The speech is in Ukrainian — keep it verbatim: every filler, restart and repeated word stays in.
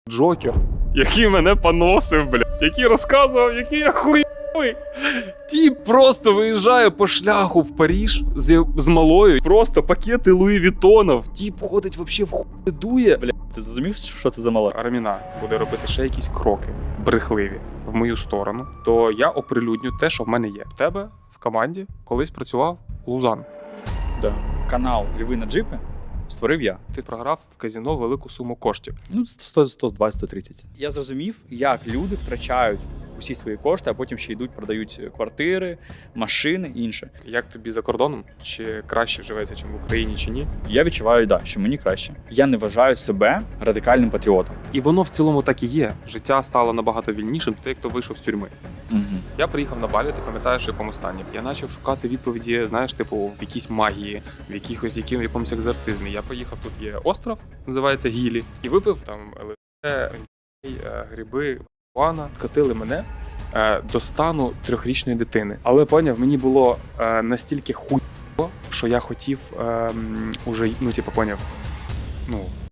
Джокер, який мене поносив, блядь, який розказував, який я хуйовий. Тіп просто виїжджає по шляху в Париж з, з малою, просто пакети Луї Вітонов. Тіп ходить вообще в хуй дує. Бля, ти зрозумів, що це за мала? Арміна буде робити ще якісь кроки брехливі в мою сторону, то я оприлюдню те, що в мене є. В тебе в команді колись працював Лузан. Да. Канал Льви на джипи створив я. Ти програв в казино велику суму коштів. Ну, сто, сто двадцять, сто тридцять. Я зрозумів, як люди втрачають усі свої кошти, а потім ще йдуть, продають квартири, машини і інше. Як тобі за кордоном? Чи краще живеться, ніж в Україні, чи ні? Я відчуваю, да, що мені краще. Я не вважаю себе радикальним патріотом. І воно в цілому так і є. Життя стало набагато вільнішим, ти як то вийшов з тюрми. Угу. Я приїхав на Балі, ти пам'ятаєш, в якому стані. Я почав шукати відповіді, знаєш, типу, в якійсь магії, в якихось яким, в якомусь екзорцизмі. Я поїхав, тут є остров, називається Гілі, і випив там ЛСД, гриби, marijuana. Катили мене е, до стану трьохрічної дитини. Але, поняв, мені було е, настільки хуйово, що я хотів е, м, уже, ну, типу, поняв, ну,